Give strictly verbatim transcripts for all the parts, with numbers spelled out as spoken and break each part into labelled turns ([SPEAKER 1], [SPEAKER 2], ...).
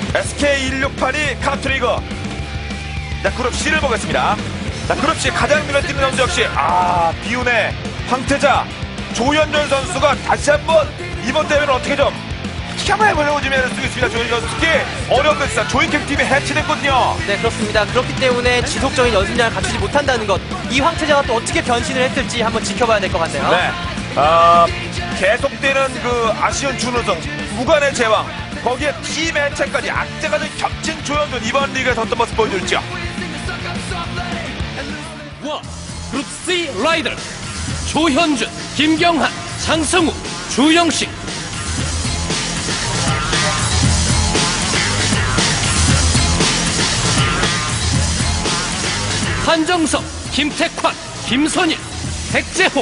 [SPEAKER 1] 에스케이 일육팔이 카트리거. 자, 그룹 C를 보겠습니다. 자, 그룹 C 가장 눈에 띄는 선수 역시 아 비운의 황태자 조현준 선수가 다시 한번 이번 대회는 어떻게 좀 한번 해보려고 지금 애를 쓰고 있습니다. 조현준 선수 특히 어려운 것이다. 조이캠 팀이 해치됐거든요.
[SPEAKER 2] 네, 그렇습니다. 그렇기 때문에 지속적인 연습량을 갖추지 못한다는 것, 이 황태자가 또 어떻게 변신을 했을지 한번 지켜봐야 될 것 같네요.
[SPEAKER 1] 네, 아 계속되는 그 아쉬운 준우승, 무관의 제왕, 거기에 팀 해체까지 악재가 좀 겹친 조현준, 이번 리그에서 어떤 모습 보여줄지요.
[SPEAKER 3] 와, 그룹 C 라이더 조현준, 김경한, 장성우, 주영식. 한정석, 김택환, 김선일, 백재호.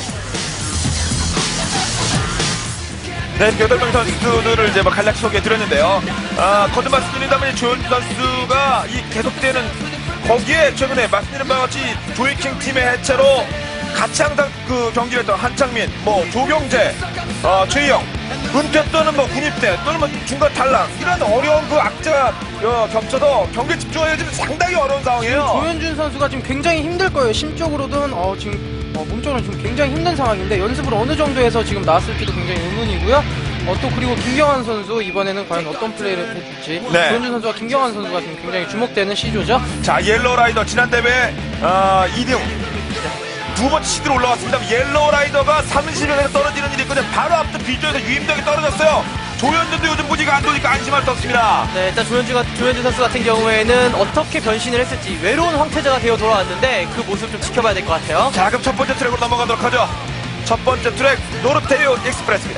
[SPEAKER 1] 네, 여덟 명 선수들을 이제 뭐 간략히 소개해 드렸는데요. 아, 거듭 말씀드린다면 조현준 선수가 이 계속되는 거기에 최근에 말씀드린 바와 같이 조이킹 팀의 해체로 같이 항상 그 경기를 했던 한창민, 뭐 조경재, 어, 최희영, 은퇴 또는 뭐 군입대 또는 뭐 중간 탈락 이런 어려운 그 악재가 어, 겹쳐서 경기에 집중하기가 지금 상당히 어려운 상황이에요.
[SPEAKER 4] 조현준 선수가 지금 굉장히 힘들 거예요. 심적으로든 어, 지금 어, 몸적으로 지금 굉장히 힘든 상황인데 연습을 어느 정도에서 지금 나왔을지도 굉장히 의문이고요. 어, 또 그리고 김경환 선수 이번에는 과연 어떤 플레이를 해줄지
[SPEAKER 1] 네.
[SPEAKER 4] 조현준 선수와 김경환 선수가 지금 굉장히 주목되는 시조죠.
[SPEAKER 1] 자, 옐로우 라이더 지난 대회 어, 이 등 두 번째 시드로 올라왔습니다. 옐로우 라이더가 삼십 명에서 떨어지는 일이 있거든요. 바로 앞서 비조에서 유임덕이 떨어졌어요. 조현준도 요즘 무지가 안 도니까 안심할 수 없습니다.
[SPEAKER 2] 네, 일단 조현준, 조현준 선수 같은 경우에는 어떻게 변신을 했을지 외로운 황태자가 되어 돌아왔는데 그 모습 좀 지켜봐야 될 것 같아요.
[SPEAKER 1] 자, 그럼 첫 번째 트랙으로 넘어가도록 하죠. 첫 번째 트랙 노르테리오 익스프레스입니다.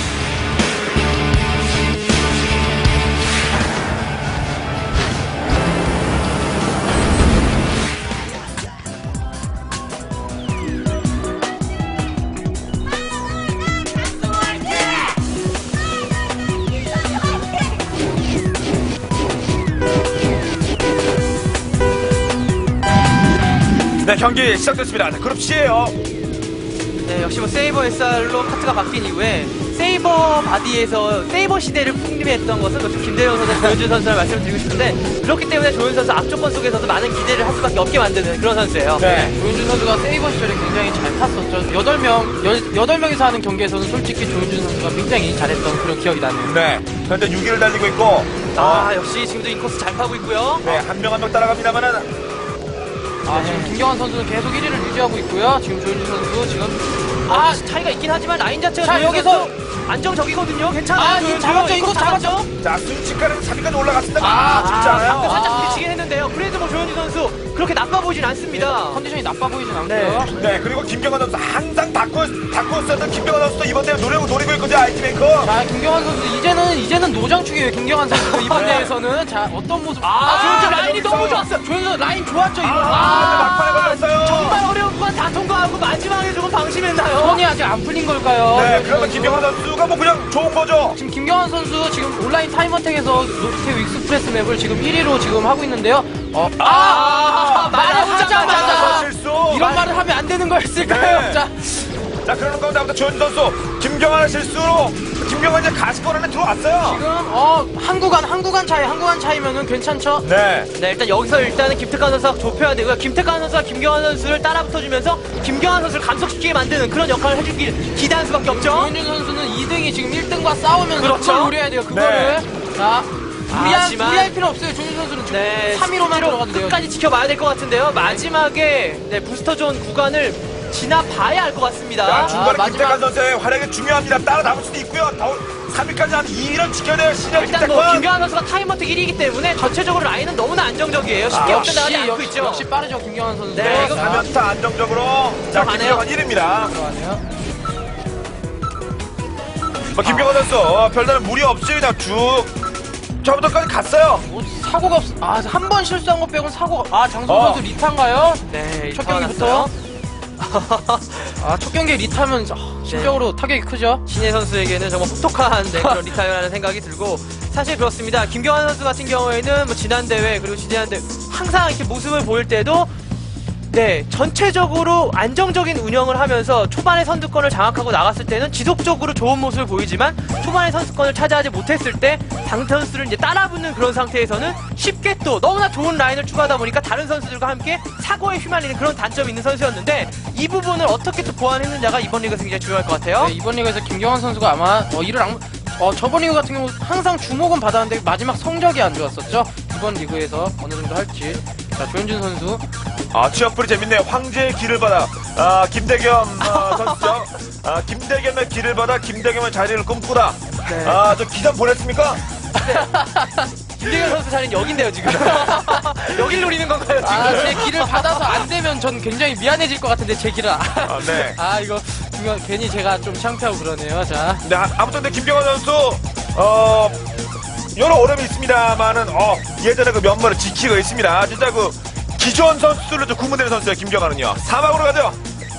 [SPEAKER 1] 네, 경기 시작됐습니다. 자, 그룹 C예요.
[SPEAKER 2] 네, 역시 뭐 세이버 에스알로 카트가 바뀐 이후에 세이버 바디에서 세이버 시대를 풍미했던 것은 그 김대영 선수, 조현준 선수를 말씀드리고 싶은데 그렇기 때문에 조현준 선수 악조건 속에서도 많은 기대를 할 수밖에 없게 만드는 그런 선수예요.
[SPEAKER 1] 네.
[SPEAKER 4] 조현준 선수가 세이버 시절에 굉장히 잘 탔었죠. 여덟 명, 여덟 명이서 하는 경기에서는 솔직히 조현준 선수가 굉장히 잘했던 그런 기억이 나네요.
[SPEAKER 1] 네, 현재 육 위를 달리고 있고
[SPEAKER 2] 아, 역시 지금도 인코스 잘 파고 있고요.
[SPEAKER 1] 네, 한 명 한 명 따라갑니다만은
[SPEAKER 4] 아, 지금 김경환 선수는 계속 일 위를 유지하고 있고요. 지금 조현준 선수 지금
[SPEAKER 2] 아, 차이가 있긴 하지만 라인 자체가
[SPEAKER 4] 자,
[SPEAKER 2] 조현준
[SPEAKER 4] 여기서-
[SPEAKER 2] 선수 안정적이거든요. 괜찮아요.
[SPEAKER 4] 아,
[SPEAKER 2] 조현준.
[SPEAKER 4] 잡았죠. 인코스 잡았죠.
[SPEAKER 1] 자, 순식간에 삼 위까지 올라갔습니다.
[SPEAKER 4] 아,
[SPEAKER 1] 아, 진짜
[SPEAKER 2] 방금
[SPEAKER 1] 않아요.
[SPEAKER 2] 살짝
[SPEAKER 4] 아.
[SPEAKER 2] 부딪히긴 했는데요. 그래도 뭐 조현준 선수 그렇게 나빠 보이진 않습니다.
[SPEAKER 4] 컨디션이 나빠 보이진 않고요.
[SPEAKER 1] 네, 그리고 김경환 선수 항상 다크 다크 썼던 김경환 선수도 이번 대회 노리고 노리고 있거든요. 아이티 메이커.
[SPEAKER 4] 자, 김경환 선수 이제는 이제는 노장축이에요. 김경환 선수 이번
[SPEAKER 1] 네.
[SPEAKER 4] 대회에서는 자 어떤 모습?
[SPEAKER 2] 아, 조현준 라인이
[SPEAKER 1] 여기서.
[SPEAKER 2] 너무 좋았어요.
[SPEAKER 4] 조현준 라인 좋았죠 이번.
[SPEAKER 1] 아, 막판에 걸렸어요.
[SPEAKER 2] 정말 어려운 건 다 통과하고 마지막에 조금 방심했나요?
[SPEAKER 4] 손이 아직 안 풀린 걸까요?
[SPEAKER 1] 네,
[SPEAKER 4] 조현준
[SPEAKER 1] 그러면
[SPEAKER 4] 선수?
[SPEAKER 1] 김경환 선수가 뭐 그냥 좋은 거죠.
[SPEAKER 4] 지금 김경환 선수 지금 온라인 타임어택에서 노르테 익스프레스 맵을 지금 일 위로 지금 하고 있는데요. 어,
[SPEAKER 2] 아,
[SPEAKER 4] 아, 말을
[SPEAKER 2] 말하자마자
[SPEAKER 4] 하자마자
[SPEAKER 1] 실수.
[SPEAKER 4] 이런 말을 하면 안 되는 거였을까요?
[SPEAKER 1] 네.
[SPEAKER 4] 자,
[SPEAKER 1] 자, 그러는 가운데 아무튼 조현준 선수 김경환의 실수로 김경환 이제 가시권 안에 들어왔어요.
[SPEAKER 4] 지금 어 한구간 한구간 차이 한구간 차이면은 괜찮죠?
[SPEAKER 1] 네.
[SPEAKER 2] 네, 일단 여기서 일단은 김태환 선수가 좁혀야 되고요. 김태환 선수가 김경환 선수를 따라 붙어주면서 김경환 선수를 감속시키게 만드는 그런 역할을 해주길 기대할 수밖에 없죠.
[SPEAKER 4] 조현준 선수는 이 등이 지금 일 등과 싸우면서
[SPEAKER 2] 그렇죠.
[SPEAKER 4] 그걸 노려야 돼요. 그거를. 자, 무리할,
[SPEAKER 2] 하지만-
[SPEAKER 4] 무리할 필요 없어요. 조현준 선수는 지금
[SPEAKER 2] 네,
[SPEAKER 4] 삼 위로만 들어가도 돼요.
[SPEAKER 2] 끝까지 지켜봐야 될 것 같은데요. 마지막에 네, 부스터존 구간을 지나봐야 할 것 같습니다.
[SPEAKER 1] 자, 중간에
[SPEAKER 4] 아,
[SPEAKER 1] 김태환
[SPEAKER 4] 마지막-
[SPEAKER 1] 선수의 활약이 중요합니다. 따라 나올 수도 있고요. 삼 위까지 한 이 위를 지켜야 돼요. 신현
[SPEAKER 2] 일단 뭐
[SPEAKER 1] 김태환.
[SPEAKER 2] 김경환 선수가 타임어택 일 위이기 때문에 전체적으로 라인은 너무나 안정적이에요. 쉽게
[SPEAKER 1] 아,
[SPEAKER 2] 역전당하지 않고
[SPEAKER 4] 역시,
[SPEAKER 2] 있죠.
[SPEAKER 4] 역시 빠르죠. 김경환 선수.
[SPEAKER 2] 네, 이거
[SPEAKER 1] 삼 연타 안정적으로. 자,
[SPEAKER 2] 들어가네요.
[SPEAKER 1] 김경환 일 위입니다.
[SPEAKER 4] 들어가네요.
[SPEAKER 1] 뭐, 김경환 선수 어, 별다른 무리 없이 그냥 쭉 저부터까지 갔어요.
[SPEAKER 4] 뭐 사고가 없. 아, 한 번 실수한 것 빼고는 사고가. 아, 장성
[SPEAKER 1] 어.
[SPEAKER 4] 선수 리타인가요?
[SPEAKER 2] 네,
[SPEAKER 4] 첫
[SPEAKER 2] 리타가
[SPEAKER 4] 경기부터.
[SPEAKER 2] 났어요.
[SPEAKER 4] 아, 첫 경기에 리타면 아, 심적으로 타격이 크죠.
[SPEAKER 2] 신예 선수에게는 정말 혹독한 네, 그런 리타이어라는 생각이 들고 사실 그렇습니다. 김경환 선수 같은 경우에는 뭐 지난 대회 그리고 지난 대회 항상 이렇게 모습을 보일 때도 네, 전체적으로 안정적인 운영을 하면서 초반에 선두권을 장악하고 나갔을 때는 지속적으로 좋은 모습을 보이지만 초반에 선수권을 차지하지 못했을 때 당 선수를 이제 따라붙는 그런 상태에서는 쉽게 또 너무나 좋은 라인을 추가하다 보니까 다른 선수들과 함께 사고에 휘말리는 그런 단점이 있는 선수였는데 이 부분을 어떻게 또 보완했느냐가 이번 리그에서 굉장히 중요할 것 같아요.
[SPEAKER 4] 네, 이번 리그에서 김경환 선수가 아마 어, 이를 악, 어, 저번 리그 같은 경우 항상 주목은 받았는데 마지막 성적이 안 좋았었죠. 이번 리그에서 어느 정도 할지. 자, 조현준 선수.
[SPEAKER 1] 아, 취업풀이 재밌네요. 황제의 길을 받아. 아, 김대겸 아, 선수죠. 아, 김대겸의 길을 받아 김대겸의 자리를 꿈꾸라.
[SPEAKER 2] 네.
[SPEAKER 1] 아, 저 기사 보냈습니까?
[SPEAKER 2] 김대현 선수 자리는 여긴데요 지금. 여길 노리는 건가요 지금?
[SPEAKER 4] 아, 제 길을 받아서 안 되면 전 굉장히 미안해질 것 같은데 제 길을. 아,
[SPEAKER 1] 아, 네.
[SPEAKER 4] 아 이거 김경, 괜히 제가 좀 창피하고 그러네요. 자.
[SPEAKER 1] 네, 아- 아무튼 근데 김경환 선수 어 여러 어려움이 있습니다만은 어 예전에 그 면모를 지키고 있습니다. 진짜 그 기존 선수들로 좀 구분되는 선수예요. 김경환은요. 사막으로 가죠.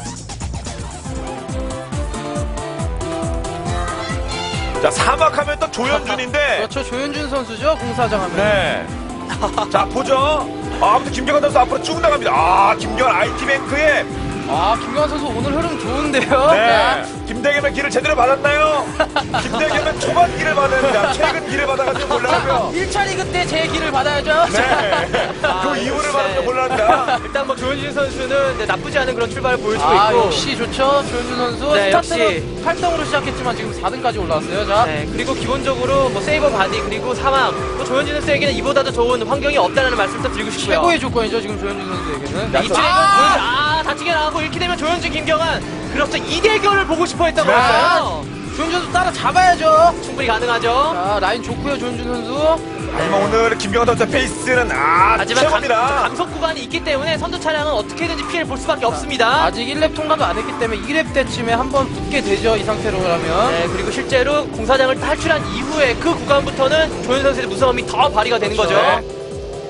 [SPEAKER 1] 자, 사막하면 또 조현준인데.
[SPEAKER 4] 그렇죠. 조현준 선수죠. 공사장 하면.
[SPEAKER 1] 네. 자, 보죠. 아, 아무튼 김경환 선수 앞으로 쭉 나갑니다. 아, 김경환 아이티뱅크의
[SPEAKER 4] 아, 김경환 선수 오늘 흐름 좋은데요.
[SPEAKER 1] 네. 김대겸의 길을 제대로 받았나요? 김대겸은 초반 길을 받았습니다. 최근 길을 받아가지고 몰라요.
[SPEAKER 4] 일 차 리그 때 제 길을 받아야죠.
[SPEAKER 1] 네. 그 이유를 받아서 곤란합니다.
[SPEAKER 2] 일단 뭐 조현진 선수는 네, 나쁘지 않은 그런 출발을 보여주고
[SPEAKER 4] 아,
[SPEAKER 2] 있고.
[SPEAKER 4] 역시 좋죠. 조현준 선수.
[SPEAKER 2] 네,
[SPEAKER 4] 스타트는
[SPEAKER 2] 역시.
[SPEAKER 4] 팔 등으로 시작했지만 지금 사 등까지 올라왔어요. 자.
[SPEAKER 2] 네, 그리고 기본적으로 뭐 세이버 바디 그리고 사망 또 조현진 선수에게는 이보다도 좋은 환경이 없다는 말씀도 드리고 싶고요.
[SPEAKER 4] 최고의 조건이죠. 지금 조현준 선수에게는.
[SPEAKER 2] 네, 이쪽에는
[SPEAKER 4] 아!
[SPEAKER 2] 조현진, 아 다치게 나가고 이렇게 되면 조현진 김경환 그렇죠 이 대결을 보고 싶어 했던
[SPEAKER 1] 네.
[SPEAKER 2] 거였어요.
[SPEAKER 4] 조현준 선수 따라 잡아야죠.
[SPEAKER 2] 충분히 가능하죠.
[SPEAKER 4] 자, 라인 좋고요. 조현준 선수.
[SPEAKER 1] 하지만 오늘 김경환 선수의 페이스는 아
[SPEAKER 2] 하지만 감,
[SPEAKER 1] 최고입니다.
[SPEAKER 2] 감속 구간이 있기 때문에 선두 차량은 어떻게든지 피해를 볼 수밖에 없습니다.
[SPEAKER 4] 아직 일 렙 통과도 안 했기 때문에 이 렙 때쯤에 한번 붙게 되죠. 이 상태로라면.
[SPEAKER 2] 네, 그리고 실제로 공사장을 탈출한 이후에 그 구간부터는 조현 선수의 무서움이 더 발휘가 되는
[SPEAKER 4] 그렇죠.
[SPEAKER 2] 거죠.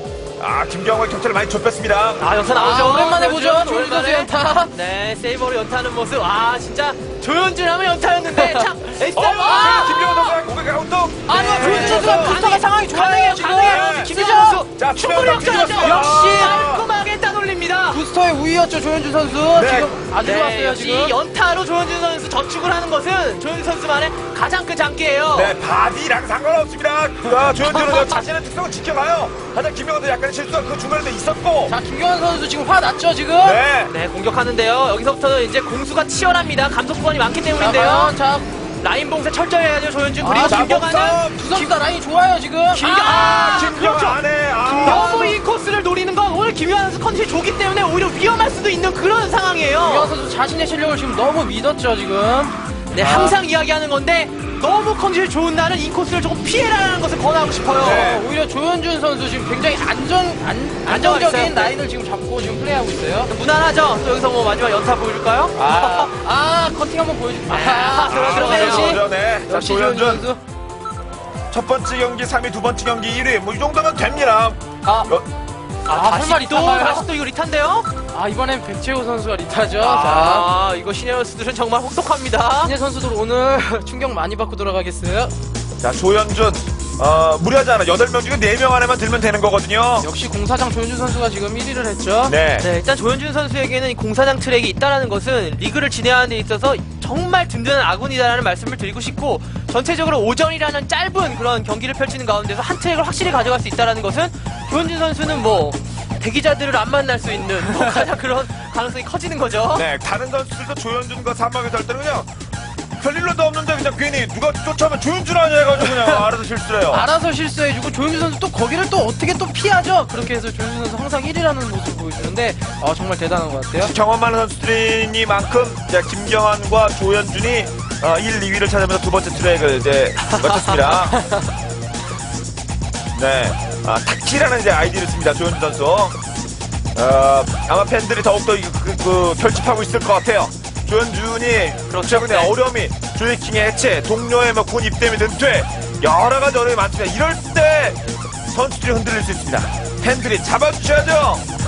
[SPEAKER 1] 아 김경환 경찰을 많이 좁혔습니다.
[SPEAKER 2] 아 연타 나오죠.
[SPEAKER 4] 아, 오랜만에 보죠.
[SPEAKER 2] 조현준,
[SPEAKER 4] 조현준 선수
[SPEAKER 2] 오랜만에.
[SPEAKER 4] 연타.
[SPEAKER 2] 네, 세이버로 연타하는 모습. 아 진짜 조현준 하면 연타였는데 참.
[SPEAKER 1] 어,
[SPEAKER 2] 에이스
[SPEAKER 1] 아, 김경환 선수가 공격 가운동.
[SPEAKER 4] 아니요,
[SPEAKER 2] 네.
[SPEAKER 4] 조현준 선수가
[SPEAKER 2] 가능해요.
[SPEAKER 4] 부스터가 상황이 좋아요.
[SPEAKER 2] 가능해요,
[SPEAKER 4] 지금.
[SPEAKER 2] 가능해요.
[SPEAKER 1] 네.
[SPEAKER 2] 김민정 선수
[SPEAKER 1] 자,
[SPEAKER 2] 충분히
[SPEAKER 1] 투명
[SPEAKER 2] 역전하죠.
[SPEAKER 1] 경기였어요.
[SPEAKER 2] 역시
[SPEAKER 1] 아.
[SPEAKER 2] 깔끔하게 따돌립니다.
[SPEAKER 4] 부스터의 우위였죠. 조현준 선수.
[SPEAKER 1] 네.
[SPEAKER 4] 지금 아주
[SPEAKER 2] 네,
[SPEAKER 4] 좋았어요.
[SPEAKER 2] 역시
[SPEAKER 4] 지금.
[SPEAKER 2] 연타로 조현준 선수 저축을 하는 것은 조현준 선수만의 가장 큰 장기예요.
[SPEAKER 1] 네, 바디랑 상관없습니다. 아, 조현준은 자신의 특성을 지켜가요. 하지만 김경환도 약간의 실수가 그 중간에도 있었고.
[SPEAKER 4] 자, 김경환 선수 지금 화 났죠, 지금?
[SPEAKER 1] 네.
[SPEAKER 2] 네, 공격하는데요. 여기서부터는 이제 공수가 치열합니다. 감속 구간이 많기
[SPEAKER 4] 자,
[SPEAKER 2] 때문인데요.
[SPEAKER 4] 과연 자,
[SPEAKER 2] 라인 봉쇄 철저히 해야죠, 조현준. 그리고
[SPEAKER 4] 아, 자,
[SPEAKER 2] 김경환은
[SPEAKER 4] 두 선수 다 라인이 좋아요, 지금.
[SPEAKER 2] 김경-
[SPEAKER 1] 아,
[SPEAKER 2] 아,
[SPEAKER 1] 김경환
[SPEAKER 2] 그렇죠.
[SPEAKER 1] 안 해. 아.
[SPEAKER 2] 너무 이 코스를 노리는 건 오늘 김효환 선수 컨디션이 좋기 때문에 오히려 위험할 수도 있는 그런
[SPEAKER 4] 김경환
[SPEAKER 2] 상황이에요.
[SPEAKER 4] 선수 자신의 실력을 지금 너무 믿었죠, 지금.
[SPEAKER 2] 네,
[SPEAKER 4] 아.
[SPEAKER 2] 항상 이야기하는 건데 너무 컨디션이 좋은 날은 이 코스를 조금 피해라는 것을 권하고 싶어요.
[SPEAKER 1] 네.
[SPEAKER 4] 어, 오히려 조현준 선수 지금 굉장히 안정, 안,
[SPEAKER 2] 안정감
[SPEAKER 4] 안정적인
[SPEAKER 2] 있어요. 네.
[SPEAKER 4] 라인을 지금 잡고 지금 플레이하고 있어요.
[SPEAKER 2] 무난하죠? 또 여기서 뭐 마지막 연타 보여줄까요?
[SPEAKER 4] 아, 아, 커팅 한번 보여줄게요.
[SPEAKER 2] 아, 들어, 들어,
[SPEAKER 4] 역시,
[SPEAKER 2] 들어.
[SPEAKER 1] 네. 자,
[SPEAKER 4] 역시 조현준
[SPEAKER 1] 조현준.
[SPEAKER 4] 선수.
[SPEAKER 1] 첫 번째 경기 삼 위, 두 번째 경기 일 위. 뭐 이 정도면 됩니다.
[SPEAKER 4] 아,
[SPEAKER 1] 어,
[SPEAKER 2] 아,
[SPEAKER 4] 설마
[SPEAKER 2] 다시 또,
[SPEAKER 4] 리타가요?
[SPEAKER 2] 다시 또 이거 리타인데요?
[SPEAKER 4] 아, 이번엔 백채호 선수가 리타죠. 자.
[SPEAKER 2] 아, 이거 신의 선수들은 정말 혹독합니다.
[SPEAKER 4] 신예 선수들 오늘 충격 많이 받고 돌아가겠어요.
[SPEAKER 1] 자, 조현준. 어, 무리하지 않아. 여덟 명 중에 네 명 안에만 들면 되는 거거든요.
[SPEAKER 4] 역시 공사장 조현준 선수가 지금 일 위를 했죠.
[SPEAKER 1] 네.
[SPEAKER 2] 네, 일단 조현준 선수에게는 이 공사장 트랙이 있다는 것은 리그를 진행하는 데 있어서 정말 든든한 아군이다라는 말씀을 드리고 싶고 전체적으로 오전이라는 짧은 그런 경기를 펼치는 가운데서 한 트랙을 확실히 가져갈 수 있다는 것은 조현준 선수는 뭐 대기자들을 안 만날 수 있는 뭐 가장 그런 가능성이 커지는 거죠.
[SPEAKER 1] 네, 다른 선수들도 조현준과 사막에서 할 때는 그냥 별일로도 없는데 그냥 괜히 누가 쫓아오면 조현준 아니야 해가지고 그냥 알아서 실수를 해요.
[SPEAKER 4] 알아서 실수해주고 조현준 선수 또 거기를 또 어떻게 또 피하죠. 그렇게 해서 조현준 선수 항상 일 위라는 모습을 보여주는데 어, 정말 대단한 것 같아요.
[SPEAKER 1] 경험 많은 선수들이니만큼 이제 김경환과 조현준이 어, 일, 이 위를 찾으면서 두 번째 트랙을 이제 마쳤습니다. 네, 아, 타키라는 이제 아이디를 씁니다. 조현준 선수. 어, 아마 팬들이 더욱더 이- 그, 그, 결집하고 있을 것 같아요. 조현준이
[SPEAKER 2] 그렇죠.
[SPEAKER 1] 최근에
[SPEAKER 2] 네.
[SPEAKER 1] 어려움이 조이킹의 해체, 동료의 뭐 군 입대 및 은퇴 여러 가지 어려움이 많습니다. 이럴 때 선수들이 흔들릴 수 있습니다. 팬들이 잡아주셔야죠.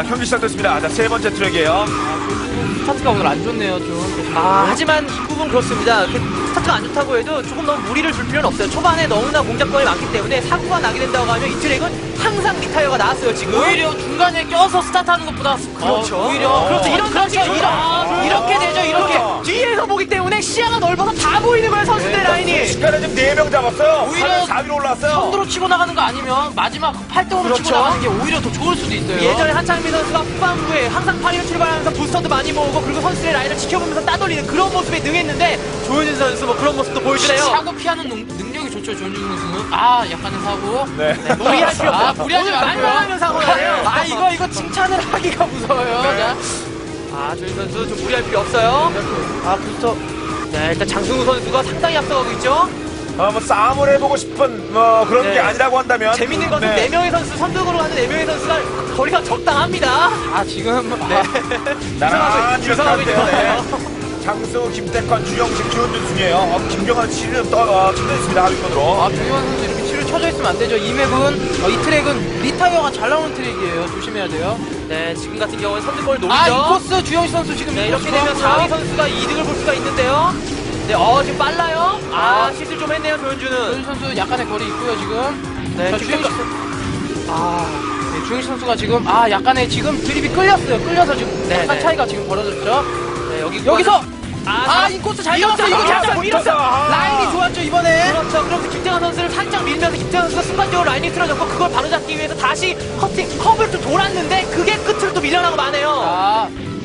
[SPEAKER 1] 자, 경기 시작됐습니다. 자, 세 번째 트랙이에요.
[SPEAKER 4] 스타트가 오늘 안 좋네요, 좀.
[SPEAKER 2] 아, 하지만 이 부분 그렇습니다. 그 스타트가 안 좋다고 해도 조금 너무 무리를 줄 필요는 없어요. 초반에 너무나 공작권이 많기 때문에 사고가 나게 된다고 하면 이 트랙은 항상 리타이어가 나왔어요, 지금.
[SPEAKER 4] 오히려 중간에 껴서 스타트하는 것보다
[SPEAKER 2] 그렇죠.
[SPEAKER 4] 어, 오히려
[SPEAKER 2] 그렇죠.
[SPEAKER 4] 이런
[SPEAKER 2] 그렇죠.
[SPEAKER 4] 그렇죠. 이런 이렇게 되죠. 이렇게
[SPEAKER 2] 그렇죠. 뒤에서 보기 때문에 시야가 넓어서 다 보이는 거예요, 선수들 라인이.
[SPEAKER 1] 시간에 지금 네 명 잡았어요.
[SPEAKER 4] 오히려
[SPEAKER 1] 사 위로 올라왔어요.
[SPEAKER 4] 선두로 치고 나가는 거 아니면 마지막 팔 등으로
[SPEAKER 2] 그렇죠.
[SPEAKER 4] 치고 나가는 게 오히려 더 좋을 수도 있어요.
[SPEAKER 2] 예전에 한창민 선수가 후반부에 항상 팔 위로 출발하면서 부스터도 많이 모으고 그리고 선수들의 라인을 지켜보면서 따돌리는 그런 모습에 능했는데 조현진 선수 뭐 그런 모습도 보여주네요.
[SPEAKER 4] 사고 피하는 능, 능력이 좋죠, 조현준 선수는. 아, 약간의 사고.
[SPEAKER 1] 네.
[SPEAKER 2] 무리할 필요 없어요.
[SPEAKER 4] 아, 무리하지
[SPEAKER 2] 오늘
[SPEAKER 4] 말고요.
[SPEAKER 2] 말만 하면 사고가 나요.
[SPEAKER 4] 아, 이거 이거 칭찬을 하기가 무서워요.
[SPEAKER 1] 네.
[SPEAKER 4] 자,
[SPEAKER 2] 아, 조현진 선수 좀 무리할 필요 없어요.
[SPEAKER 4] 아, 부스터.
[SPEAKER 2] 네, 일단 장승우 선수가 상당히 앞서가고 있죠.
[SPEAKER 1] 어, 뭐 싸움을 해보고 싶은 뭐 그런
[SPEAKER 2] 네.
[SPEAKER 1] 게 아니라고 한다면
[SPEAKER 2] 재밌는 것은
[SPEAKER 1] 네.
[SPEAKER 2] 네 명의 선수, 선두으로 가는 네 명의 선수가 거리가 적당합니다.
[SPEAKER 4] 아, 지금
[SPEAKER 2] 네.
[SPEAKER 1] 나란히
[SPEAKER 2] 주성하고
[SPEAKER 1] 이렇게 하는데요.
[SPEAKER 2] 있어요.
[SPEAKER 1] 네. 장수, 김태권, 주영식, 주현준 중이에요. 어, 김경환 치를 떠 어, 쳐져 있습니다. 하위권으로.
[SPEAKER 4] 아, 조현 선수 이렇게 치료 쳐져 있으면 안 되죠. 이 맵은, 어, 이 트랙은 리타이어가 잘 나오는 트랙이에요. 조심해야 돼요.
[SPEAKER 2] 네, 지금 같은 경우는 선두권을 노리죠.
[SPEAKER 4] 아, 이 코스 주영식 선수 지금
[SPEAKER 2] 네,
[SPEAKER 4] 이
[SPEAKER 2] 이렇게
[SPEAKER 4] 코스
[SPEAKER 2] 되면
[SPEAKER 4] 좋았고요.
[SPEAKER 2] 사 위 선수가 이 등을 볼 수가 있는데요. 네, 어, 지금 빨라요. 아, 실수 좀 했네요, 조현주는.
[SPEAKER 4] 조현식 선수 약간의 거리 있고요, 지금.
[SPEAKER 2] 네,
[SPEAKER 4] 자,
[SPEAKER 2] 지금
[SPEAKER 4] 주영식 선수. 아, 네, 주영식 선수가 지금, 아, 약간의 지금 드립이 끌렸어요. 끌려서 지금
[SPEAKER 2] 네,
[SPEAKER 4] 약간
[SPEAKER 2] 네.
[SPEAKER 4] 차이가 지금 벌어졌죠.
[SPEAKER 2] 네, 여기
[SPEAKER 4] 여기서!
[SPEAKER 2] 아,
[SPEAKER 4] 아,
[SPEAKER 2] 자-
[SPEAKER 4] 이 코스 잘
[SPEAKER 2] 밀었어요,
[SPEAKER 4] 잡았어요. 이거
[SPEAKER 2] 밀었어요,
[SPEAKER 4] 잘
[SPEAKER 2] 밀었어요.
[SPEAKER 1] 아.
[SPEAKER 4] 라인이 좋았죠, 이번에.
[SPEAKER 2] 그렇죠. 그럼 김태환 선수를 살짝 밀면서 김태환 선수가 순간적으로 라인이 틀어졌고 그걸 바로잡기 위해서 다시 커팅, 컵을 좀 돌았는데 그게 끝으로 또 밀려나고 마네요.
[SPEAKER 4] 아,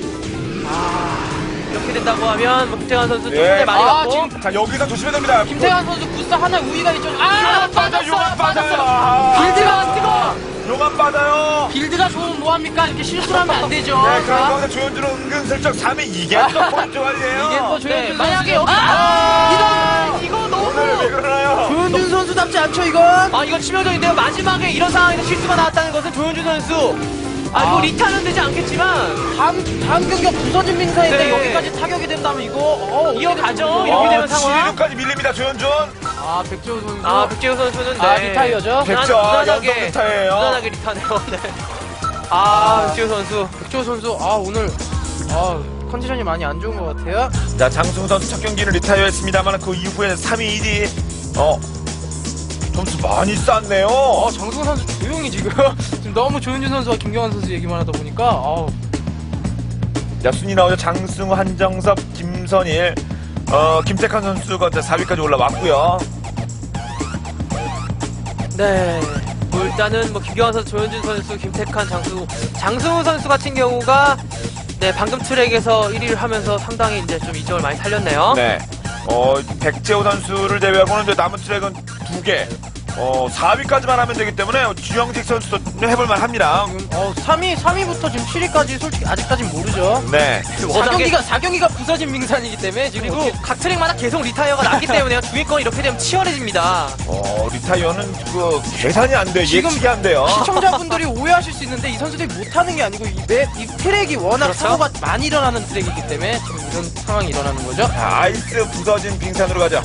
[SPEAKER 2] 이렇게 된다고 하면 뭐 김태환 선수 좀
[SPEAKER 1] 예.
[SPEAKER 2] 손에 많이
[SPEAKER 4] 아,
[SPEAKER 2] 갔고
[SPEAKER 4] 지금
[SPEAKER 1] 자, 여기서 조심해야 됩니다.
[SPEAKER 4] 김태환 선수 부스 하나 우위가 있죠. 아,
[SPEAKER 1] 용암 빠져, 용암 빠져요. 아,
[SPEAKER 2] 빌드가 뜨거.
[SPEAKER 1] 용암 빠져요.
[SPEAKER 4] 빌드가 좋으면 뭐합니까? 이렇게 실수를 하면 안 되죠.
[SPEAKER 1] 네, 그런 가운데 조현준은 은근슬쩍 삼 위 이게 또 포인트 관리예요.
[SPEAKER 4] 이게 또
[SPEAKER 2] 네,
[SPEAKER 4] 조현준
[SPEAKER 2] 만약에
[SPEAKER 4] 선수.
[SPEAKER 2] 여기 아, 이거
[SPEAKER 1] 오늘 왜
[SPEAKER 2] 너무
[SPEAKER 1] 그러나요?
[SPEAKER 4] 조현준 선수답지 않죠, 이건?
[SPEAKER 2] 아 이건 치명적인데요. 마지막에 이런 상황에서 실수가 나왔다는 것은 조현준 선수 아 이거
[SPEAKER 4] 아.
[SPEAKER 2] 리타는 되지 않겠지만
[SPEAKER 4] 다음, 다음 경기가 부서진 맹사인데
[SPEAKER 2] 네.
[SPEAKER 4] 여기까지 타격이 된다면 이거, 어, 어떻게
[SPEAKER 2] 이어가죠.
[SPEAKER 4] 되는
[SPEAKER 2] 이렇게
[SPEAKER 4] 거죠?
[SPEAKER 2] 되면 상황.
[SPEAKER 1] 칠 위까지 밀립니다, 조현준.
[SPEAKER 4] 아, 백재호 선수.
[SPEAKER 2] 아 백재우 선수는
[SPEAKER 4] 아,
[SPEAKER 2] 네.
[SPEAKER 4] 리타이어죠?
[SPEAKER 1] 백조,
[SPEAKER 2] 무난하게
[SPEAKER 1] 연속 리타예요.
[SPEAKER 2] 무난하게 리타네요. 네. 아 백재우 선수
[SPEAKER 4] 백재호 선수, 아, 오늘, 아, 컨디션이 많이 안 좋은 것 같아요.
[SPEAKER 1] 자, 장승우 선수 첫 경기는 리타이어했습니다만 그 이후에 삼 위, 일 위 어 점수 많이 쌌네요.
[SPEAKER 4] 어, 장승호 선수 조용히 지금. 지금 너무 조현준 선수와 김경환 선수 얘기만 하다 보니까, 아우.
[SPEAKER 1] 자, 순위 나오죠. 장승우, 한정섭, 김선일, 어 김태칸 선수가 사 위까지 올라왔고요.
[SPEAKER 2] 네. 뭐 일단은 뭐 김경환 선수, 조현준 선수, 김태칸, 장승우, 장승우 선수 같은 경우가 네 방금 트랙에서 일 위를 하면서 상당히 이제 좀 이점을 많이 살렸네요.
[SPEAKER 1] 네. 어 백재호 선수를 제외하고는 이제 남은 트랙은 두 개. 어 사 위까지만 하면 되기 때문에 주영식 선수도 해볼만 합니다.
[SPEAKER 4] 지금, 어, 삼 위, 삼 위부터 지금 칠 위까지 솔직히 아직까진 모르죠.
[SPEAKER 1] 네.
[SPEAKER 4] 사
[SPEAKER 2] 워낙에-
[SPEAKER 4] 경기가, 사 경기가 부서진 밍산이기 때문에 지금.
[SPEAKER 2] 그리고 각 트랙마다 계속 리타이어가 났기 때문에요. 중위권 이렇게 되면 치열해집니다.
[SPEAKER 1] 어 리타이어는 그 계산이 안 돼.
[SPEAKER 4] 지금
[SPEAKER 1] 예측이 안 돼요.
[SPEAKER 4] 시청자분들이 오해하실 수 있는데 이 선수들이 못하는 게 아니고 이, 맵, 이 트랙이 워낙
[SPEAKER 2] 그렇죠?
[SPEAKER 4] 사고가 많이 일어나는 트랙이기 때문에 지금 이런 상황이 일어나는 거죠.
[SPEAKER 1] 자, 아이스 부서진 빙산으로 가자.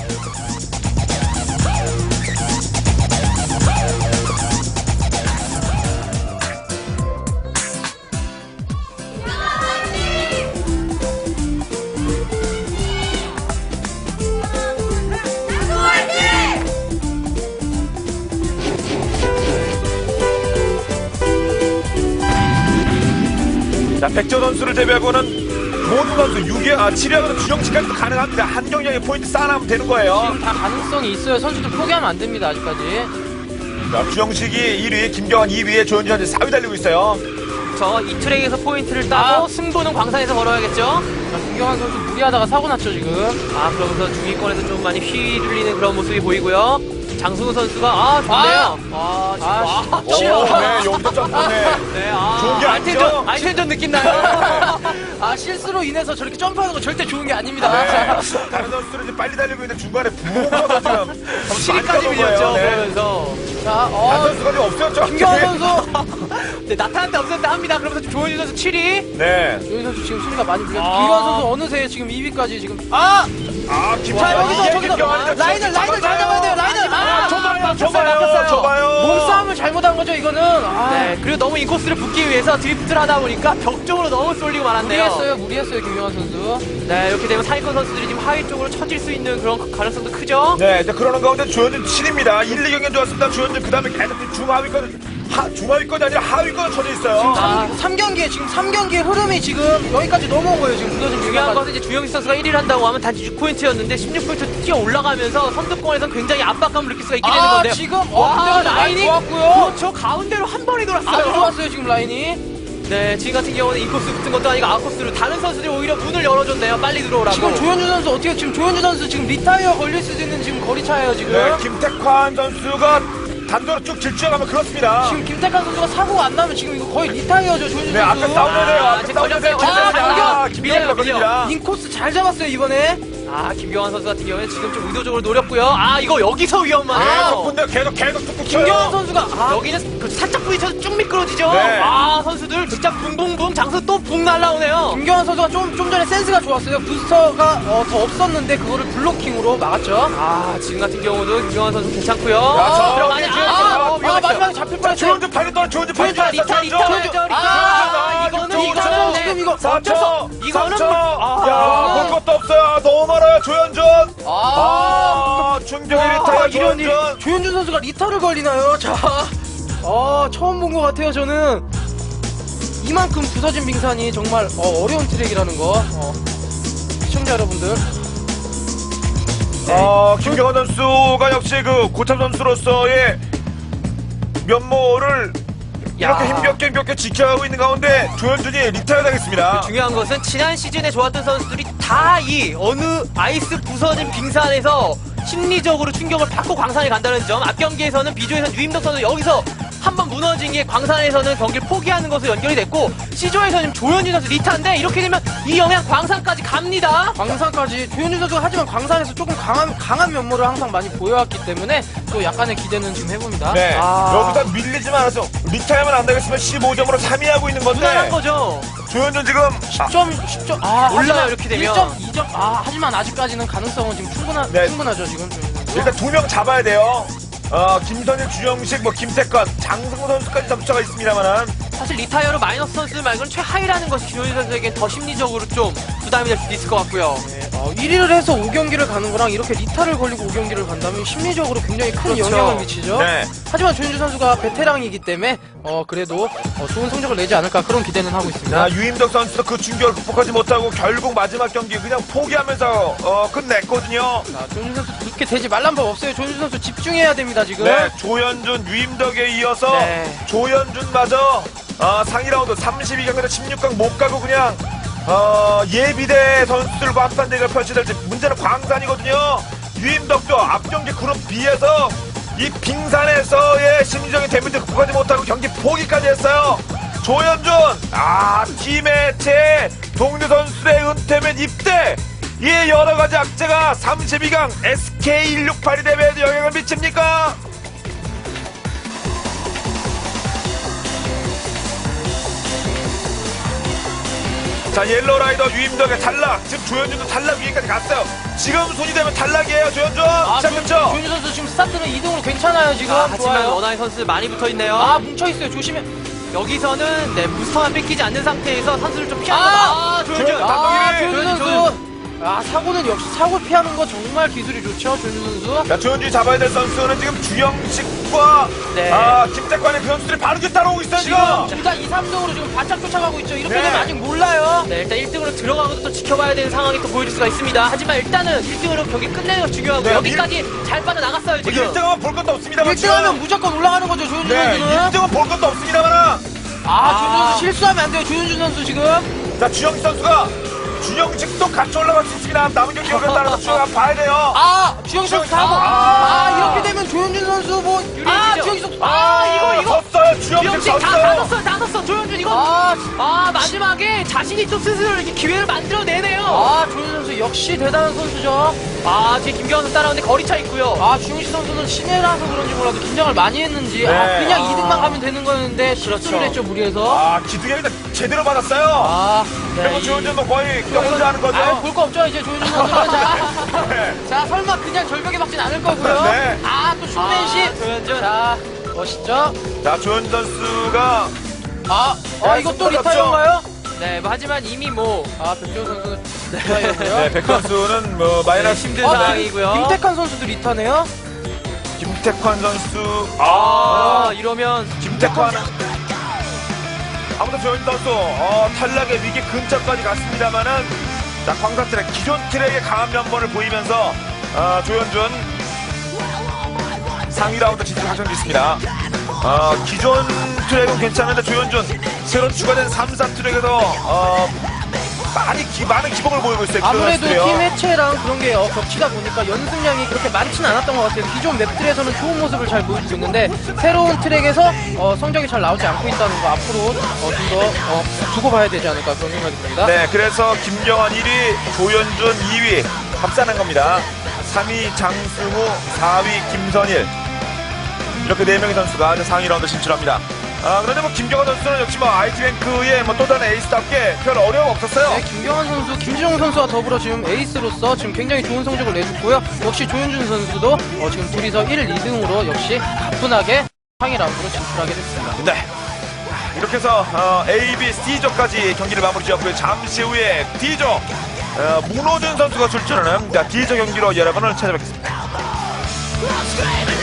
[SPEAKER 1] 자, 백조 선수를 제외하고는 모든 선수 육 위, 아, 칠 위하고는 주영식까지도 가능합니다. 한 경기에 포인트 쌓아나면 되는 거예요.
[SPEAKER 4] 지금 다 가능성이 있어요. 선수들 포기하면 안 됩니다, 아직까지.
[SPEAKER 1] 자, 주영식이 일 위, 김경환 이 위에 조현준 현재 사 위 달리고 있어요.
[SPEAKER 2] 저 이 트랙에서 포인트를 따고
[SPEAKER 4] 아.
[SPEAKER 2] 승부는 광산에서 걸어야겠죠.
[SPEAKER 4] 자, 김경환 선수 무리하다가 사고 났죠, 지금.
[SPEAKER 2] 아 그러면서 중위권에서 좀 많이 휘둘리는 그런 모습이 보이고요. 장승우 선수가 아 좋네요. 아,
[SPEAKER 4] 아,
[SPEAKER 2] 아,
[SPEAKER 1] 오, 네, 여기서 점프네.
[SPEAKER 2] 네, 아,
[SPEAKER 1] 좋은 게 아니죠?
[SPEAKER 2] 아이템전, 아이템전 느낌 나요.
[SPEAKER 4] 아, 실수로 인해서 저렇게 점프하는 거 절대 좋은 게 아닙니다.
[SPEAKER 1] 네. 다른 선수들은 이제 빨리 달리고 있는데 중간에 부모가 지금
[SPEAKER 2] 칠 위까지 밀렸죠.
[SPEAKER 1] 네.
[SPEAKER 2] 그러면서
[SPEAKER 4] 자,
[SPEAKER 1] 다른
[SPEAKER 4] 어,
[SPEAKER 1] 선수가 좀 없었죠.
[SPEAKER 4] 김경환 선수.
[SPEAKER 2] 네, 나타났다 없었다 합니다. 그러면서 조현준 선수 칠 위.
[SPEAKER 1] 네.
[SPEAKER 4] 조현 선수 지금 순위가 많이 불렸죠.
[SPEAKER 2] 아.
[SPEAKER 4] 김경환 선수 어느새 지금 이 위까지 지금. 아!
[SPEAKER 1] 아,
[SPEAKER 4] 자,
[SPEAKER 1] 김태환
[SPEAKER 4] 여기서, 저기서. 라인을, 라인을 잘 잡아야 돼요, 라인을.
[SPEAKER 1] 아,
[SPEAKER 4] 아,
[SPEAKER 1] 좁아요,
[SPEAKER 2] 막혔어요,
[SPEAKER 1] 좁아요,
[SPEAKER 2] 막혔어요.
[SPEAKER 1] 좁아요.
[SPEAKER 4] 몸싸움을 잘못한 거죠 이거는. 아,
[SPEAKER 2] 네, 그리고 너무 인코스를 붙기 위해서 드리프트를 하다 보니까 벽 쪽으로 너무 쏠리고 말았네요.
[SPEAKER 4] 무리했어요, 무리했어요 김경환 선수.
[SPEAKER 2] 네, 이렇게 되면 상위권 선수들이 지금 하위 쪽으로 처질 수 있는 그런 가능성도 크죠.
[SPEAKER 1] 네, 이제 그러는 가운데 조현준 칠입니다. 일, 이 경기는 좋았습니다. 조현준 그 다음에 계속 중하위권, 하, 중하위권이 아니라 하위권 쳐져 있어요.
[SPEAKER 2] 아.
[SPEAKER 4] 삼 경기에 지금 삼 경기의 흐름이 지금 여기까지 넘어온 거예요 지금 부서진
[SPEAKER 2] 중요한
[SPEAKER 4] 빙하가.
[SPEAKER 2] 것은 이제 주영식 선수가 일 위를 한다고 하면 단지 육 포인트였는데 십육 포인트 뛰어 올라가면서 선두권에서 굉장히 압박감을 느낄 수가 있게 되는
[SPEAKER 4] 아,
[SPEAKER 2] 건데요.
[SPEAKER 4] 지금 어,
[SPEAKER 2] 와,
[SPEAKER 4] 문제가 많이
[SPEAKER 2] 라인이
[SPEAKER 4] 좋았고요.
[SPEAKER 2] 그렇죠. 가운데로 한 번에 돌았어요.
[SPEAKER 4] 아주 좋았어요 지금 라인이.
[SPEAKER 2] 네, 지금 같은 경우는 인코스 붙은 것도 아니고 아웃코스로 다른 선수들이 오히려 문을 열어줬네요. 빨리 들어오라고.
[SPEAKER 4] 지금 조현주 선수 어떻게 지금 조현주 선수 지금 리타이어 걸릴 수도 있는 지금 거리 차예요 지금.
[SPEAKER 1] 네, 김택환 선수가 단도로 쭉 질주해가면 그렇습니다.
[SPEAKER 4] 지금 김태칸 선수가 사고가 안 나면 지금 이거 거의 리타이어죠 조현주
[SPEAKER 1] 네,
[SPEAKER 4] 선수.
[SPEAKER 1] 앞에 싸우면 돼요.
[SPEAKER 2] 아,
[SPEAKER 1] 앞에
[SPEAKER 2] 지금
[SPEAKER 1] 싸우면 돼요.
[SPEAKER 2] 걸렸어요,
[SPEAKER 1] 아,
[SPEAKER 2] 걸렸어요.
[SPEAKER 1] 아,
[SPEAKER 2] 밀려요,
[SPEAKER 1] 김경환 걸립니다.
[SPEAKER 4] 인코스 잘 잡았어요 이번에.
[SPEAKER 2] 아, 김경환 선수 같은 경우에는 지금 좀 의도적으로 노렸고요. 아, 이거 여기서
[SPEAKER 1] 계속
[SPEAKER 2] 위험하네요.
[SPEAKER 1] 분대 계속 계속 툭툭 쳐요.
[SPEAKER 4] 김경환 선수가 아,
[SPEAKER 2] 여기는 그 살짝 부딪혀서 쭉 미끄러지죠.
[SPEAKER 1] 네.
[SPEAKER 2] 아, 선수들 진짜 붕붕붕 장수 또 붕 날라오네요.
[SPEAKER 4] 김경환 선수가 좀, 좀 전에 센스가 좋았어요. 부스터가 어, 더 없었는데 그거를 블로킹으로 막았죠.
[SPEAKER 2] 아, 지금 같은 경우도 김경환 선수 괜찮고요.
[SPEAKER 1] 야, 저-
[SPEAKER 2] 들어가네.
[SPEAKER 1] 아,
[SPEAKER 2] 아,
[SPEAKER 4] 아,
[SPEAKER 2] 어,
[SPEAKER 4] 아,
[SPEAKER 2] 위험했어요.
[SPEAKER 4] 마지막에 잡힐 뻔했어요.
[SPEAKER 1] 조현준 팔이 떨어 조현준 팔이
[SPEAKER 2] 리타, 리타, 리타,
[SPEAKER 1] 떨어
[SPEAKER 2] 리타, 리타.
[SPEAKER 1] 아,
[SPEAKER 2] 이거는,
[SPEAKER 1] 조현준
[SPEAKER 2] 이거는
[SPEAKER 4] 지금
[SPEAKER 2] 네.
[SPEAKER 4] 이거
[SPEAKER 1] 삼 초,
[SPEAKER 2] 이거는
[SPEAKER 1] 삼 초.
[SPEAKER 2] 뭐-
[SPEAKER 1] 야,
[SPEAKER 2] 아.
[SPEAKER 1] 볼 것도 없어요. 너무 멀어요, 조현준.
[SPEAKER 4] 아,
[SPEAKER 1] 아, 충격의
[SPEAKER 4] 아,
[SPEAKER 1] 리타야,
[SPEAKER 4] 이런 일.
[SPEAKER 1] 조현준.
[SPEAKER 4] 조현준 선수가 리타를 걸리나요? 자, 어, 처음 본 것 같아요, 저는. 이만큼 부서진 빙산이 정말 어, 어려운 트랙이라는 거. 어, 시청자 여러분들.
[SPEAKER 1] 어, 김경환 선수가 역시 그 고참 선수로서의 면모를 이렇게
[SPEAKER 2] 야.
[SPEAKER 1] 힘겹게 힘겹게 지켜가고 있는 가운데 조현준이 리타야 되겠습니다.
[SPEAKER 2] 중요한 것은 지난 시즌에 좋았던 선수들이 다 이 어느 아이스 부서진 빙산에서 심리적으로 충격을 받고 광산에 간다는 점. 앞 경기에서는 비조에서는 유임덕 선수 여기서 한번 무너진 게 광산에서는 경기를 포기하는 것으로 연결이 됐고 C조에서는 조현진 선수 리타인데 이렇게 되면 이 영향 광산까지 갑니다.
[SPEAKER 4] 광산까지 조현준 선수가 하지만 광산에서 조금 강한 강한 면모를 항상 많이 보여왔기 때문에 또 약간의 기대는 지금 해봅니다.
[SPEAKER 1] 네,
[SPEAKER 2] 아.
[SPEAKER 1] 여기서 밀리지만 않아서 리타야만 안 되겠으면 십오 점으로 삼 위 하고 있는 건데
[SPEAKER 2] 무난한 거죠.
[SPEAKER 1] 조현준 지금 아,
[SPEAKER 4] 십 점, 십 점, 아,
[SPEAKER 2] 올라요,
[SPEAKER 4] 하지만
[SPEAKER 2] 이렇게 되면.
[SPEAKER 4] 일 점, 이 점, 아, 하지만 아직까지는 가능성은 지금 충분하,
[SPEAKER 1] 네.
[SPEAKER 4] 충분하죠, 지금. 조현준 선수.
[SPEAKER 1] 일단 두 명 잡아야 돼요. 어, 김선일, 주영식, 뭐 김태권, 장승호 선수까지 잡자가 있습니다만은
[SPEAKER 2] 사실 리타이어로 마이너스 선수 말고는 최하위라는 것이 조현진 선수에게 더 심리적으로 좀 부담이 될 수도 있을 것 같고요.
[SPEAKER 4] 어, 일 위를 해서 오 경기를 가는 거랑 이렇게 리타를 걸리고 오 경기를 간다면 심리적으로 굉장히 큰
[SPEAKER 2] 그렇죠.
[SPEAKER 4] 영향을 미치죠.
[SPEAKER 1] 네.
[SPEAKER 4] 하지만 조현준 선수가 베테랑이기 때문에 어, 그래도 어, 좋은 성적을 내지 않을까 그런 기대는 하고 있습니다.
[SPEAKER 1] 자, 유임덕 선수도 그 충격을 극복하지 못하고 결국 마지막 경기 그냥 포기하면서 어, 끝냈거든요.
[SPEAKER 4] 자, 조현준 선수 그렇게 되지 말란 법 없어요. 조현준 선수 집중해야 됩니다, 지금.
[SPEAKER 1] 네, 조현준, 유임덕에 이어서
[SPEAKER 2] 네.
[SPEAKER 1] 조현준마저 어, 상위 라운드 삼십이 강에서 십육 강 못 가고 그냥 어, 예비대 선수들과 합산 대결 펼치될지 문제는 광산이거든요. 유임덕도 앞 경기 그룹 B에서 이 빙산에서의 심리적인 데미지 극복하지 못하고 경기 포기까지 했어요. 조현준, 아, 팀의 제 동료 선수의 은퇴 및 입대, 이 여러 가지 악재가 삼십이 강 에스케이 백육십팔 대회에도 영향을 미칩니까? 자, 옐로라이더 유임덕의 탈락. 지금 조현준도 탈락 위에까지 갔어요. 지금 손이 되면 탈락이에요, 조현준.
[SPEAKER 4] 아,
[SPEAKER 1] 자,
[SPEAKER 4] 조현-
[SPEAKER 1] 그렇죠?
[SPEAKER 4] 조현준 선수 지금 스타트는 이 등으로 괜찮아요, 지금.
[SPEAKER 2] 아, 하지만
[SPEAKER 4] 좋아요.
[SPEAKER 2] 원하의 선수 많이 붙어 있네요.
[SPEAKER 4] 아, 뭉쳐있어요. 조심해.
[SPEAKER 2] 여기서는 네, 부스터만 뺏기지 않는 상태에서 선수를 좀 피하는
[SPEAKER 4] 아!
[SPEAKER 2] 거. 아, 조현준.
[SPEAKER 1] 조현준.
[SPEAKER 4] 아,
[SPEAKER 1] 단독일위.
[SPEAKER 4] 조현준 선수. 아, 사고는 역시 사고 피하는 거 정말 기술이 좋죠, 조현준 선수.
[SPEAKER 1] 자, 조현준이 잡아야 될 선수는 지금 주영식과
[SPEAKER 2] 네.
[SPEAKER 1] 아, 김태관의 그 선수들이 바로 뒤에 따라오고 있어요, 지금.
[SPEAKER 4] 지금 둘 다 이, 삼 등으로 지금 바짝 쫓아가고 있죠. 이렇게
[SPEAKER 1] 네.
[SPEAKER 4] 되면 아직 몰라요.
[SPEAKER 2] 네, 일단 일 등으로 들어가고도 또 지켜봐야 되는 상황이 또 보여줄 수가 있습니다. 하지만 일단은 일 등으로 경기 끝내는 거 중요하고
[SPEAKER 1] 네,
[SPEAKER 2] 여기까지 잘 빠져나갔어요, 지금.
[SPEAKER 1] 일 등 하면 볼 것도 없습니다만.
[SPEAKER 4] 일 등 하면 무조건 올라가는 거죠, 조현준
[SPEAKER 1] 네, 일
[SPEAKER 4] 선수는.
[SPEAKER 1] 등은 볼 것도 없습니다만.
[SPEAKER 4] 아, 조현준 선수 실수하면 안 돼요, 조현준 선수 지금.
[SPEAKER 1] 자, 주영식 선수가 주영식도 같이 올라갈 수 있습니다. 남은 경기 여기를 따라서 주영 한번 봐야 돼요.
[SPEAKER 4] 아, 주영식 선수 사고.
[SPEAKER 1] 아.
[SPEAKER 4] 아, 이렇게 되면 조현준 선수 뭐. 아,
[SPEAKER 2] 유리해지죠?
[SPEAKER 4] 주영식 선수.
[SPEAKER 2] 아, 이거, 이거.
[SPEAKER 1] 섰어요. 주영식
[SPEAKER 2] 주영식 다, 다
[SPEAKER 1] 섰어요.
[SPEAKER 2] 넣었어요, 다 넣었어. 조현준 이거.
[SPEAKER 4] 아,
[SPEAKER 2] 아, 마지막에 자신이 또 스스로 이렇게 기회를 만들어내네요.
[SPEAKER 4] 아, 조현준 선수 역시 대단한 선수죠.
[SPEAKER 2] 아, 뒤에 김경환 선수 따라오는데 거리차 있고요.
[SPEAKER 4] 아, 주영식 선수는 신예라서 그런지 몰라도 긴장을 많이 했는지. 아,
[SPEAKER 1] 네.
[SPEAKER 4] 그냥
[SPEAKER 2] 아.
[SPEAKER 4] 이 등만 가면 되는 거였는데 실수를 했죠, 무리해서.
[SPEAKER 1] 아, 기둥이 일단 제대로 받았어요.
[SPEAKER 4] 아,
[SPEAKER 1] 그리고 조현준도 거의 혼자 하는 거죠.
[SPEAKER 4] 아, 볼 거 없죠, 이제 조현준 선수는. 자,
[SPEAKER 1] 네.
[SPEAKER 4] 자, 설마 그냥 절벽에 박진 않을 거고요.
[SPEAKER 1] 네.
[SPEAKER 4] 아, 또 슈맨십.
[SPEAKER 2] 아, 조현준.
[SPEAKER 4] 자, 멋있죠?
[SPEAKER 1] 자, 조현준 선수가
[SPEAKER 4] 아, 아 이거 또
[SPEAKER 1] 승부가
[SPEAKER 4] 리타이어인가요?
[SPEAKER 2] 네, 뭐 하지만 이미 뭐
[SPEAKER 4] 아, 백조 선수는 리타이어고요.
[SPEAKER 1] 네, 백 선수는 뭐 마이너스
[SPEAKER 2] 힘든
[SPEAKER 4] 아,
[SPEAKER 2] 상황이고요.
[SPEAKER 4] 김택한 선수도 리타네요?
[SPEAKER 1] 김태환 선수.
[SPEAKER 2] 아,
[SPEAKER 1] 아,
[SPEAKER 2] 이러면
[SPEAKER 1] 김태환은 아무튼 조현준 선수 어, 탈락의 위기 근처까지 갔습니다만은 자, 광산 트랙 기존 트랙의 강한 면모를 보이면서 어, 조현준 상위 라운드 진출 확정됐습니다. 어, 기존 트랙은 괜찮은데 조현준 새로 추가된 삼, 사 트랙에서 어, 많이 기, 많은 기복을 보이고 있어요.
[SPEAKER 4] 아무래도
[SPEAKER 1] 기존
[SPEAKER 4] 팀
[SPEAKER 1] 선수들이요.
[SPEAKER 4] 해체랑 그런 게 어, 겹치다 보니까 연습량이 그렇게 많지는 않았던 것 같아요. 기존 맵들에서는 좋은 모습을 잘 보여주고 있는데 새로운 트랙에서 어, 성적이 잘 나오지 않고 있다는 거 앞으로 어, 좀 더 어, 두고 봐야 되지 않을까 그런 생각이 듭니다.
[SPEAKER 1] 네, 그래서 김경환 일 위, 조현준 이 위 합산한 겁니다. 삼 위 장승우, 사 위 김선일 이렇게 네 명의 선수가 이제 상위 라운드 진출합니다. 아, 그런데 뭐 김경환 선수는 역시 뭐 아이티뱅크의 뭐 또 다른 에이스답게 별 어려움 없었어요.
[SPEAKER 4] 네, 김경환 선수, 김주정 선수와 더불어 지금 에이스로서 지금 굉장히 좋은 성적을 내줬고요. 역시 조현준 선수도 어, 지금 둘이서 일, 이 등으로 역시 가뿐하게 상위 라운드로 진출하게 됐습니다.
[SPEAKER 1] 네. 이렇게 해서 어, A, B, C조까지 경기를 마무리 지었고요. 잠시 후에 D조 어, 문호준 선수가 출전하는 자, D조 경기로 여러분을 찾아뵙겠습니다.